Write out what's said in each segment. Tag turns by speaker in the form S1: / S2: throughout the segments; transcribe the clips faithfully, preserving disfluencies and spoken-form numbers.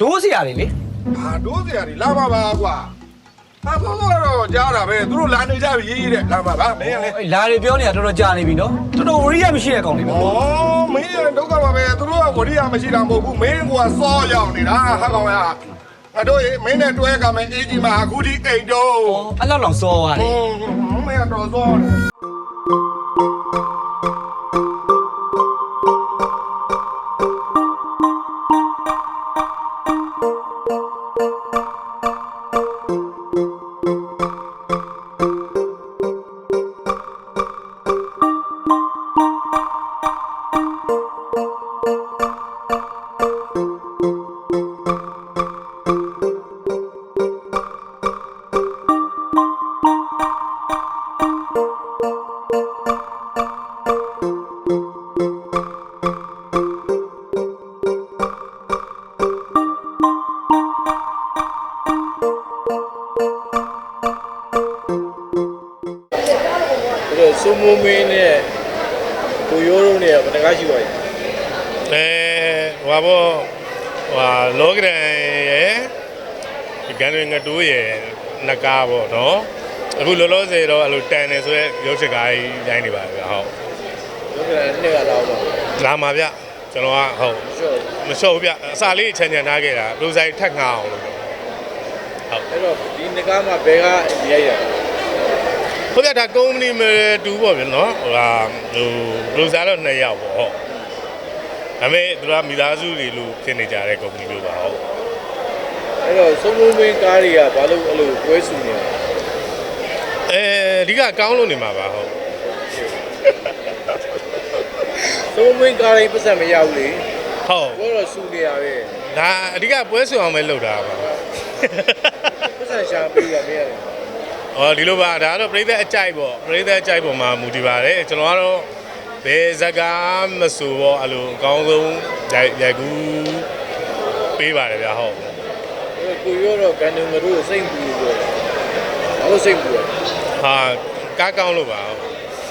S1: ဒိုးစရာတွေလေ
S2: ဟာဒိုးစရာတွေလာပါပါကွာဟာဆောဆောတော့ကြားတာပဲသူတို့လာနေကြပြီရေးရေးတဲ့လာပါပါမင်းလေ
S1: အေးလာတွေပြောနေတာတော်တော်ကြာနေပြီနော်တော်တော်ဝရိယမရှိတဲ့ကောင်တွေပဲ
S2: ဩမင်းရဒုက္ခပါပဲသူတို့ကဝရိယမရှိတာမဟုတ်ဘူးမင်းကစောရောက်နေတာဟာကောင်ရငါတို့ရေမင်းနဲ့တွဲကမယ်အေးကြီးမှာအခုဒီအိမ်တော့
S1: ဩအဲ့လောက်လောက်စောသွားတယ်
S2: မင်းကတော့စောတယ်
S3: 苏木梅呢，都有肉呢，不能干起来。
S4: အဲဟွာဘောဟွာလောကရန်ရဲ့ဒီကန်တွေငတူးရဲ့နကားပေါ့နော်အခုလောလောဆယ်တော့အဲ့လိုတန်တယ်ဆိုရဲရုပ်ချက်ကားကြီးရိုင်းနေပါဗျဟုတ်
S3: 有个人那个老板，
S4: လာမှာဗျကျွန်တော်ကဟုတ်
S3: 说，
S4: မလျှော့ဘူးဗျအစာလေးချန်ချန်ထားခဲ့တာလူဆိုင်ထက်ငါအောင်လို့
S3: 那个你那个嘛，别个也有。
S4: ဟုတ်ဗျဒါကုမ္ပဏီမတူပေါ့ဗျနော်ဟိုဟာဟိုလူစားတော့နှစ်ယောက်ပေါ့ဟုတ်ဒါပေမဲ့သူကမိသားစုတွေလို့ဖြစ်နေကြတဲ့ကုမ္ပဏီမျိုးပါဟုတ်
S3: 那个苏木梅咖喱啊，把路路归属呢。
S4: အဲအဓိကကောင်းလို့နေမှာပါဟုတ်
S3: 苏木梅咖喱不是没有哩，
S4: ဟုတ်
S3: 我说属的啊呗，
S4: ဒါအဓိကပွဲဆွေအောင်ပဲလုပ်တာပါ
S3: 不是想比啊没有。
S4: ။အော်ဒီလိုပါဒါကတော့ပြည်သက်အကြိုက်ပေါ့ပြည်သက်အကြိုက်ပေါ်မှာမူတည်ပါတယ်ကျွန်တော်ကတော့ဘယ်ဇကားမဆိုပေါ့အဲ့လိုအကောင်းဆုံးရိုက်ရိုက်ကူးပေးပါတယ်ဗျာဟုတ်
S3: 那个古有了，感觉我都辛苦过，我都辛苦了。
S4: ။ဟာကားကောင်းလို့ပါဟုတ်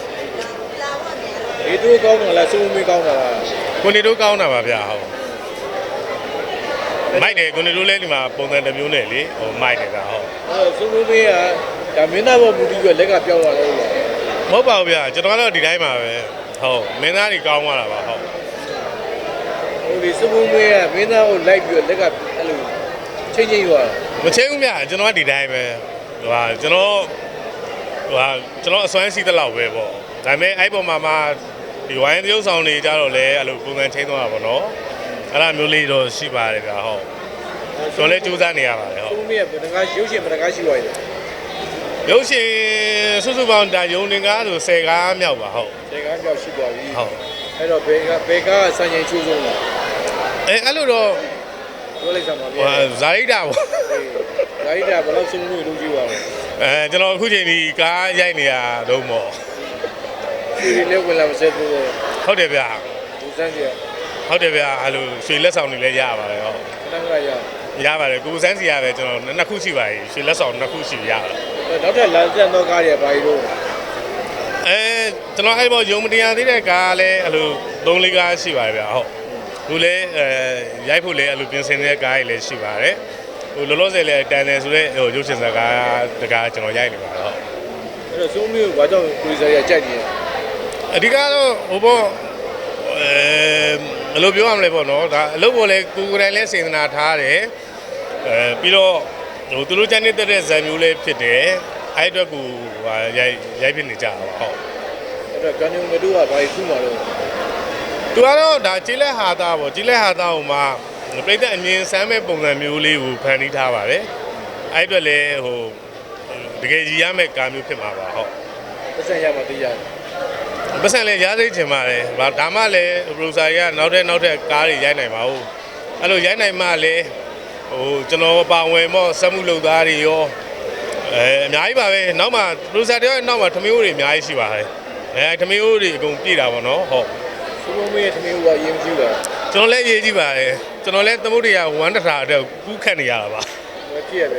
S3: 你都搞弄了，苏木梅搞弄了。
S4: ။ကိုနေတို့ကောင်းတာပါဗျာဟုတ်။မိုက်တယ်ကိုနေတို့လည်းဒီမှာပုံစံတစ်မျိုးနဲ့လေဟိုမိုက်တယ်ဗျာဟုတ်
S3: 呃，苏木梅啊，咱们那个目的个那个标了了。
S4: ။မဟုတ်ပါဘူးဗျာကျွန်တော်ကတော့ဒီတိုင်းပါပဲဟုတ်မင်းသားတွေကောင်းသွားတာပါဟုတ်
S3: ဟိုဒီစပူးမေးကမင်းသားကိုလိုက်ပြီးလက်ကအဲ့လိုချင်းချင်းရွာ
S4: မချင်းဘူးဗျာကျွန်တော်ကဒီတိုင်းပဲဟိုဟာကျွန်တော်ဟိုဟာကျွန်တော်အစွမ်းစီးတဲ့လောက်ပဲပေါ့ဒါပေမဲ့အဲ့ပေါ်မှာမှဒီဝိုင်းသရုပ်ဆောင်တွေကြတော့လေအဲ့လိုပုံစံချင်းသွားတာပေါ့နော်အဲ့ဒါမျိုးလေးတော့ရှိပါတယ်ဗျာဟုတ်ကျွန်တော်လည်းစူးစမ်းနေရပါတယ်
S3: စ
S4: ဟုတ်
S3: ပူးမေးကဘယ်ငါရုပ်ရှင်ဘယ်ငါရှိသွားလဲ
S4: ရုပ်ရှင်စုစုပေါင်းဒါယုံတင်ကားဆိုဆယ်ကားမြောက်ပါဟုတ်
S3: ဒီကကြောက်ရှိသွားပြီ
S4: ဟုတ်
S3: အဲ့တော့ဘယ်ကဘယ်ကစံချိန်ချိုးဆုံးလား
S4: အဲအဲ့လိုတော့
S3: ပြောလိုက်စမ်းပါဗျာ
S4: ဟိုဇာရိတာပေါ့
S3: ဒါရီတာဘယ်လောက်စပူးမေးလုပ်ကြည့်ပါလဲ
S4: အဲကျွန်တော်အခုချိန်ဒီကားရိုက်နေရတော့ပေါ့
S3: ဒီလေးဝင်လာမစက်ဘူး
S4: ဟုတ်တယ်ဗျာ
S3: ဒီစမ်းကြည့်
S4: ဟုတ်တယ်ဗျာအဲ့လိုရွှေလက်ဆောင်တွေလည်းရပါတယ်ဟုတ်
S3: ခဏခဏရ
S4: ရပါတယ်ကိုစန်းစီရပဲကျွန်တော်နှစ်ခုရှိပါပြီရွှေလက်ဆောင်နှစ်ခုရှိရပါတယ်
S3: နောက်ထပ်လမ်းဆက်တော့ကားရပါရီတော့
S4: အဲကျွန်တော်အဲ့ဘောယုံမတရားသေးတဲ့ကားလည်းအဲ့လိုသုံးလေးကားရှိပါတယ်ဗျာဟုတ်ခုလည်းအဲရိုက်ဖို့လည်းအဲ့လိုပြင်ဆင်နေတဲ့ကားတွေလည်းရှိပါတယ်ဟိုလောလောဆယ်လည်းတန်တယ်ဆိုတော့ဟိုရုပ်ရှင်စကားတကားကျွန်တော်ရိုက်နေပါတယ်ဟုတ်
S3: အဲ့တော့စပူးမေးကဘာကြောင့်ကိုယ်စားရကြိုက်နေလဲ
S4: အဓိကတော့ဟိုဘောအဲဘယ်လိုပြောရမလဲပေါ့နော်ဒါအလုပ်ပေါ်လည်းကိုယ်ကိုယ်တိုင်လည်းစေတနာထားတယ်အဲပြီးတော့ဟိုသူတို့ချမ်းနေတဲ့ဇာတ်မျိုးလေးဖြစ်တယ်အဲ့အတွက်ကိုဟာရိုက်ရိုက်ဖြစ်နေကြတာပါဟုတ်
S3: အဲ့တော့ကန်ယုံမတို့ကဘာကြီးခုမှတော့
S4: သူကတော့ဒါကြီးလက်ဟာသားပေါ့ကြီးလက်ဟာသားဟိုမှာပြိတ္တအမြင်ဆမ်းမဲ့ပုံစံမျိုးလေးကိုဖန်တီးထားပါတယ်အဲ့အတွက်လည်းဟိုတကယ်ကြီးရမယ့်ကာမျိုးဖြစ်မှာပါဟုတ်
S3: ပတ်စံရမှတရား
S4: ပတ်စံလည်းရားစိတ်ချင်ပါတယ်ဗာဒါမှလည်းပရိုဆာကနောက်တဲ့နောက်တဲ့ကားတွေရိုက်နိုင်ပါဘူးအဲ့လိုရိုက်နိုင်မှလည်းဟိုကျွန်တော်ပါဝင်မော့စက်မှုလုပ်သားတွေရောအဲအများကြီးပါပဲနောက်မှပရိုဆာတယောက်နောက်မှထမင်းဦးတွေအများကြီးရှိပါတယ်အဲထမင်းဦးတွေအကုန်ပြည့်တာပေါ့နော်ဟုတ်
S3: စပူးမေးရဲ့သမီးကရင်ကြည့်တာ
S4: ကျွန်တော်လည်းရေးကြည့်ပါတယ်ကျွန်တော်လည်းသမုဒ္ဒရာဝမ်းတထာအတွက်ကူးခတ်နေရတာပါ
S3: မကြည့်ရပဲ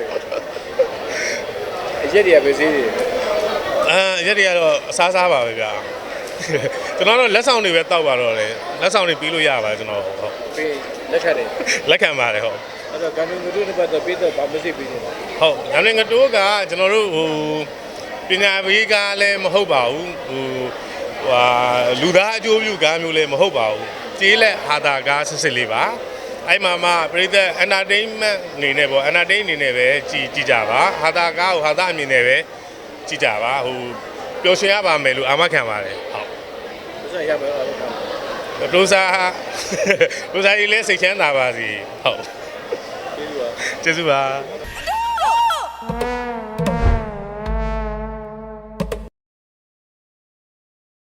S3: အရက်တွေကပဲစေးတယ်
S4: အာရက်တွေကတော့အစားစားပါပဲဗျာကျွန်တော်တို့လက်ဆောင်တွေပဲတောက်ပါတော့လေလက်ဆောင်တွေပြီးလို့ရပါတယ်ကျွန်တော်ဟုတ်
S3: ပေးလက်ခံတယ်
S4: လက်ခံပါတယ်ဟုတ်
S3: ဟအဲ့တော့ကန်နူတို့တစ်ပတ်တော့ပြီးတော့ဗာမစစ်ပြီးနေတာ
S4: ဟုတ်ညနေငတိုးကကျွန်တော်တို့ဟိုပညာပေးကားလည်းမဟုတ်ပါဘူးဟိုဟာလူသားအကျိုးပြုကားမျိုးလည်းမဟုတ်ပါဘူးကျေးလက်ဟာတာကားစစ်စစ်လေးပါအဲ့မှာမှပရိသတ် entertainment အနေနဲ့ပေါ့ entertain အနေနဲ့ပဲကြည်ကြည်ကြပါဟာတာကားကိုဟာတာအမြင်နဲ့ပဲကြည်ကြပါဟိုပျော်ရွှင်ရပါမယ်လို့အာမခံပါတယ်ဟုတ်
S3: ဆက်ရမယ်အဲ့ဒါ
S4: ဒိုစာဒိုစာကြီးလည်းစိတ်ချမ်းသာပါစီဟုတ်
S3: ကျေးဇူးပါ
S4: ကျေးဇူးပါ